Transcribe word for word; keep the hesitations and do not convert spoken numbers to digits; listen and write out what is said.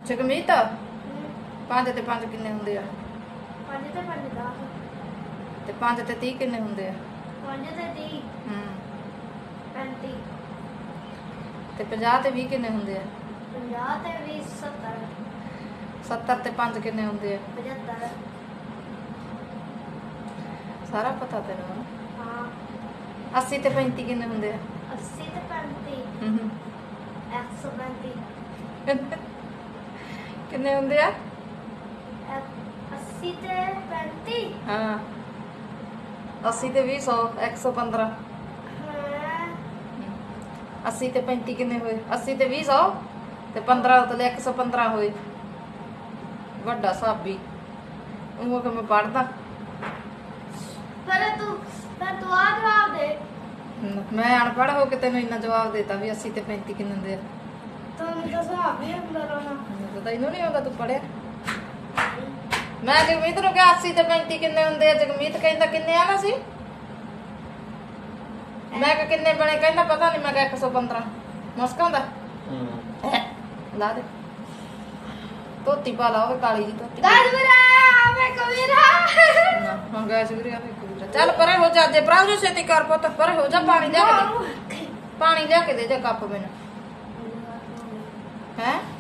ਜਗਮੀਤ ਪੰਜ ਤੇ ਪੰਜ ਕਿੰਨੇ ਹੁੰਦੇ ਆ? ਪੰਜ ਤੇ ਪੰਜ ਦਸ ਤੇ ਪੰਜ ਤੇ ਤੀਹ ਕਿੰਨੇ ਹੁੰਦੇ ਆ? ਪੰਜ ਤੇ ਤੀਹ ਹੂੰ ਪੈਂਤੀ ਤੇ ਪੰਜਾਹ ਤੇ ਵੀਹ ਕਿੰਨੇ ਹੁੰਦੇ ਆ? ਪੰਜਾਹ ਤੇ ਵੀਹ ਸੱਤਰ ਸੱਤਰ ਤੇ ਪੰਜ ਕਿੰਨੇ ਹੁੰਦੇ ਆ? ਪਝੱਤਰ ਸਾਰਾ ਪਤਾ ਤੈਨੂੰ? ਹਾਂ ਅੱਸੀ ਤੇ ਪੈਂਤੀ ਕਿੰਨੇ ਹੁੰਦੇ ਆ? अस्सी ਤੇ ਪੈਂਤੀ ਹੂੰ ਹੂੰ ਇੱਕ ਸੌ ਪੈਂਤੀ ਕਿੰਨੇ ਹੁੰਦੇ ਆ? अस्सी ਤੇ ਪੈਂਤੀ ਹਾਂ ਅੱਸੀ ਤੇ ਵੀਹ ਸੌ ਇੱਕ ਸੌ ਪੰਦਰਾਂ। ਹਾਂ ਅੱਸੀ ਤੇ ਪੈਂਤੀ ਕਿੰਨੇ ਹੋਏ? ਅੱਸੀ ਤੇ ਵੀਹ ਸੌ ਤੇ ਪੰਦਰਾਂ ਉਤਲੇ ਇੱਕ ਸੌ ਪੰਦਰਾਂ ਹੋਏ। ਵੱਡਾ ਸਾਬੀ ਉਹ ਕਿ ਮੈਂ ਪੜਦਾ। ਪਰ ਤੂੰ ਪਰ ਤੂੰ ਆ ਜਵਾਬ ਦੇ। ਮੈਂ ਅਨਪੜ੍ਹ ਹੋ ਕੇ ਤੈਨੂੰ ਇੰਨਾ ਜਵਾਬ ਦੇਤਾ ਵੀ ਅੱਸੀ ਤੇ ਪੈਂਤੀ ਕਿੰਨੇ ਹੁੰਦੇ ਆ? ਤੂੰ ਤਾਂ ਹਿਸਾਬ ਹੀ ਅੰਦਰ ਆਉਣਾ ਮੈਨੂੰ ਤਾਂ ਇਹਨੂੰ ਨਹੀਂ ਆਉਂਦਾ, ਤੂੰ ਪੜਿਆ? ਮੈਂ ਜਗਮੀਤ ਨੂੰ ਕਿਹਾ ਅੱਸੀ ਤੇ ਪੈਂਤੀ ਕਿੰਨੇ ਹੁੰਦੇ ਆ? ਜਗਮੀਤ ਕਹਿੰਦਾ ਕਿੰਨੇ ਆਣਾ ਸੀ? ਮੈਂ ਕਿਹਾ ਕਿੰਨੇ ਬਣੇ? ਕਹਿੰਦਾ ਪਤਾ ਨਹੀਂ। ਮੈਂ ਕਿਹਾ ਇੱਕ ਸੌ ਪੰਦਰਾਂ। ਮੁਸਕਾਉਂਦਾ ਲਾ ਦੇ ਧੋਤੀ ਪਾ ਲਾ, ਉਹ ਕਾਲੀ ਜੀ ਧੋਤੀ। ਗਾਇਸ ਵੀਰਾ ਮੈਂ ਕਵੀਰਾ ਹਾਂ ਗੈਸ ਵੀਰੇ ਆ ਵੇਖੋ। ਚੱਲ ਪਰੇ ਹੋ ਜਾ, ਜੇ ਭਰਾ ਜੋ ਛੇਤੀ ਕਰ ਪੁੱਤ, ਪਰੇ ਹੋ ਜਾ। ਪਾਣੀ ਲਿਆ ਕੇ ਦੇ, ਪਾਣੀ ਲਿਆ ਕੇ ਦੇ ਜਾ ਕੱਪ ਮੈਨੂੰ। ਹੈ